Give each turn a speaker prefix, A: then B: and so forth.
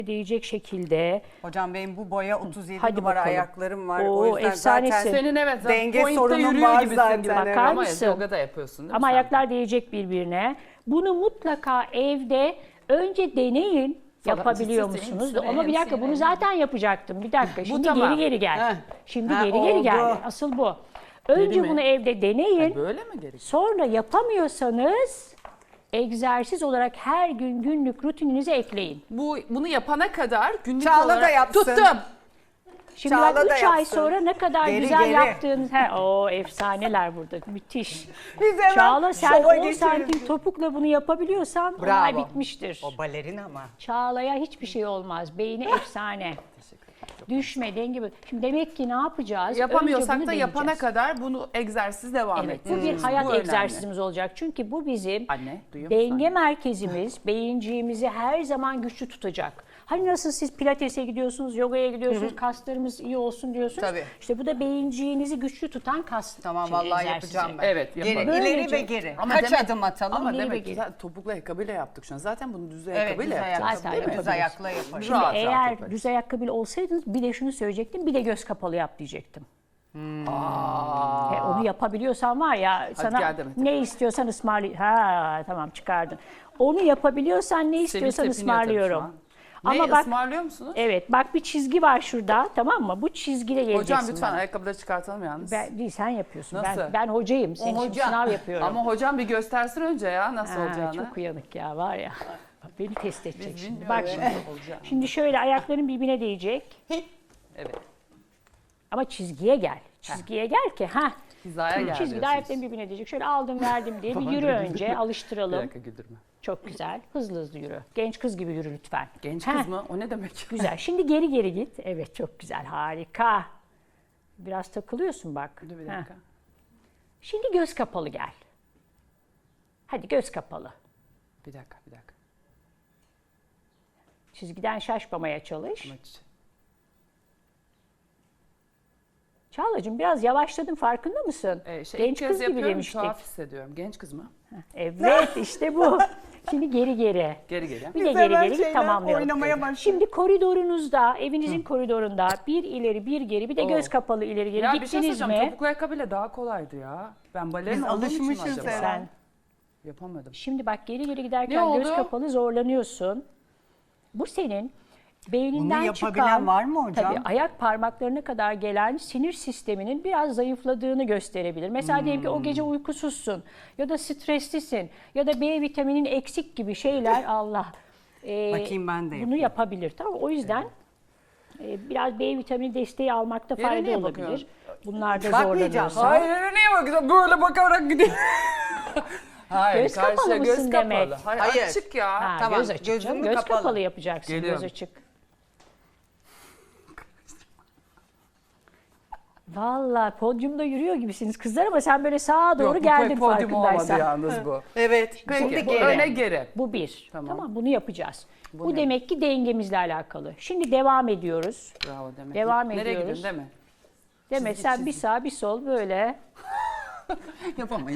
A: değecek şekilde.
B: Hocam benim bu boya 37
A: Hadi
B: numara
A: bakalım.
B: ayaklarım var.
A: Oo,
B: O yüzden
A: efsanesin.
B: zaten
C: Senin evet
B: denge
C: pointte
B: sorunum
C: yürüyor
B: var
C: gibisin
B: zaten.
C: gibi.
B: Evet.
A: Bakar
C: Ama
A: mısın?
C: yoga da yapıyorsun değil mi
A: Ama
C: sen?
A: ayaklar değecek birbirine. Bunu mutlaka evde önce deneyin.
C: Falan
A: Yapabiliyor
C: ciddi
A: musunuz?
C: misin?
A: Ama bir dakika bunu zaten yapacaktım. Bir dakika. Şimdi
C: tamam.
A: geri gel.
B: Heh.
A: Şimdi
B: Ha,
A: geri
B: oldu.
A: gel. Asıl bu. Önce
C: mi?
A: bunu evde deneyin.
C: Böyle mi gerekiyor?
A: Sonra yapamıyorsanız egzersiz olarak her gün günlük rutininize ekleyin.
C: Bunu yapana kadar günlük
B: Çağla
C: olarak
B: da yapsın.
C: tuttum.
A: Şimdi
B: Çağla
A: bak
B: da
A: 3 ay
B: yapsın.
A: sonra ne kadar
B: Geri,
A: güzel
B: geri.
A: yaptığınız. O efsaneler burada. Müthiş.
B: Biz hemen
A: Çağla sen
B: şova
A: 10
B: geçeriz.
A: santim topukla bunu yapabiliyorsan olay bitmiştir.
B: O balerin ama.
A: Çağla'ya hiçbir şey olmaz. Beyni efsane. Düşme, denge. Şimdi demek ki ne yapacağız? Önce
C: Yapamıyorsak
A: bunu
C: da yapana
A: deneyeceğiz.
C: kadar bunu egzersiz devam
A: Evet,
C: et.
A: bu bir hayat
C: önemli.
A: egzersizimiz olacak. Çünkü bu bizim
C: Anne, duyuyor musun
A: denge
C: anne?
A: merkezimiz, beyinciğimizi her zaman güçlü tutacak. Hani nasıl siz pilatese gidiyorsunuz, yogaya gidiyorsunuz, kaslarımız iyi olsun diyorsunuz.
B: Tabii.
A: İşte bu da beyinciğinizi güçlü tutan kas
B: Tamam vallahi
A: egzersizi.
B: yapacağım ben.
C: Evet,
B: Geri,
C: yapalım.
B: ileri
A: Böylece-
B: ve geri.
C: Ama
B: Kaç
C: demek-
B: adım atalım?
C: Ama
A: İleri ve
C: demek ki
A: geri.
C: zaten topuklu ayakkabıyla yaptık şu an. Zaten bunu düz
B: Evet,
C: ayakkabıyla
B: düz
C: yapacağız.
B: ayakkabı,
A: Zaten
B: düz
A: yaparız.
B: ayakla yaparız.
A: Şimdi
C: Rahat
A: eğer
C: yaparız.
A: düz ayakkabıyla olsaydınız bir de şunu söyleyecektim, bir de göz kapalı yap diyecektim. Onu yapabiliyorsan var ya sana
C: gel Demet.
A: ne istiyorsan ısmarlayayım. Ha tamam çıkardın. Onu yapabiliyorsan ne istiyorsan
C: tepiniyor tabii şu
A: ısmarlıyorum.
C: an.
A: Ama
C: Ne
A: bak
C: ısmarlıyor musunuz?
A: evet bak bir çizgi var şurada tamam mı? Bu çizgide geleceksin.
C: Hocam lütfen
A: bana.
C: ayakkabıları çıkartalım yalnız.
A: Ben, değil sen yapıyorsun.
C: Nasıl?
A: Ben hocayım. Senin için
B: hoca.
A: sınav yapıyorum.
C: Ama hocam bir göstersin önce ya nasıl
A: Ha,
C: olacağını.
A: çok uyanık ya var ya. Beni test edecek
C: Biz
A: şimdi.
C: bilmiyoruz
A: Bak şimdi.
C: nasıl olacağını.
A: Şimdi şöyle ayakların birbirine değecek.
C: Evet.
A: Ama çizgiye gel. Çizgiye gel ki ha.
C: Hizaya gel
A: Çizgide
C: diyorsunuz.
A: ayakların birbirine değecek. Şöyle aldım verdim diye bir yürü önce
C: Bir
A: alıştıralım.
C: dakika güldürme.
A: Çok güzel. Hızlı hızlı yürü. Genç kız gibi yürü lütfen.
C: Genç
A: Ha,
C: kız mı? O ne demek?
A: Güzel. Şimdi geri geri git. Evet çok güzel. Harika. Biraz takılıyorsun bak.
C: Dur bir
A: Ha.
C: dakika.
A: Şimdi göz kapalı gel. Hadi göz kapalı.
C: Bir dakika.
A: Çizgiden şaşmamaya çalış.
C: Maç.
A: Çağlacığım biraz yavaşladın farkında mısın?
C: İlk
A: Genç
C: kez
A: kız gibi
C: yapıyorum,
A: demiştik.
C: tuhaf hissediyorum. Genç kız mı?
A: Evet işte bu. Şimdi geri geri.
C: Geri geri.
A: Bir de
B: Biz
A: geri
B: hemen
A: geri git
B: şeyler
A: tamamlayalım.
B: oynamaya başladık.
A: Şimdi koridorunuzda, evinizin koridorunda bir ileri bir geri bir de göz kapalı ileri geri
C: Ya bir şey
A: gittiniz
C: söyleyeceğim.
A: mi?
C: Topuklu ayakkabıyla daha kolaydı ya. Ben balerin
B: Biz
C: olduğum için mi
B: alışmışız
C: acaba?
B: herhalde.
A: Sen
C: Yapamadım.
A: şimdi bak geri geri giderken
C: Ne
A: göz
C: oldu?
A: kapalı zorlanıyorsun. Bu senin beyninden
B: Bunu yapabilen
A: çıkan,
B: var mı hocam?
A: Tabii ayak parmaklarına kadar gelen sinir sisteminin biraz zayıfladığını gösterebilir. Mesela diyelim ki o gece uykusuzsun ya da streslisin ya da B vitaminin eksik gibi şeyler Allah.
B: Bakayım ben de
A: Bunu
B: yapayım.
A: yapabilir tamam mı? O yüzden biraz B vitamini desteği almakta
C: Yere
A: fayda
C: niye
A: olabilir.
C: bakıyorsun?
A: Bunlarda
B: Bakmayacağım.
A: zorlanıyorsun.
C: Hayır niye bakıyorsun? Böyle bakarak gidiyor. Hayır,
A: Göz kapalı
C: karşıya
A: mısın
C: göz
A: demek?
C: kapalı. Hayır,
B: Hayır.
C: açık ya.
A: Ha,
B: Tamam,
A: göz açık.
B: gözüm
A: canım. Göz
B: kapalı.
A: kapalı yapacaksın.
C: Geliyorum.
A: Göz açık. Vallahi podyumda yürüyor gibisiniz kızlar ama sen böyle sağa doğru
C: Yok, bu
A: geldin
C: pek podyum olmadı
A: farkındaysan.
C: yalnız bu.
B: Evet.
C: Peki,
B: Şimdi
C: bu
B: geri.
C: öne geri.
A: Bu bir.
C: Tamam.
A: Tamam bunu yapacağız. Bu
C: ne?
A: demek ki dengemizle alakalı. Şimdi devam ediyoruz.
C: Bravo Demet.
A: Devam
C: Nereye
A: ediyoruz.
C: gidiyorsun değil mi?
A: Demet sen bir sağ bir sol böyle.
B: Yapamayız.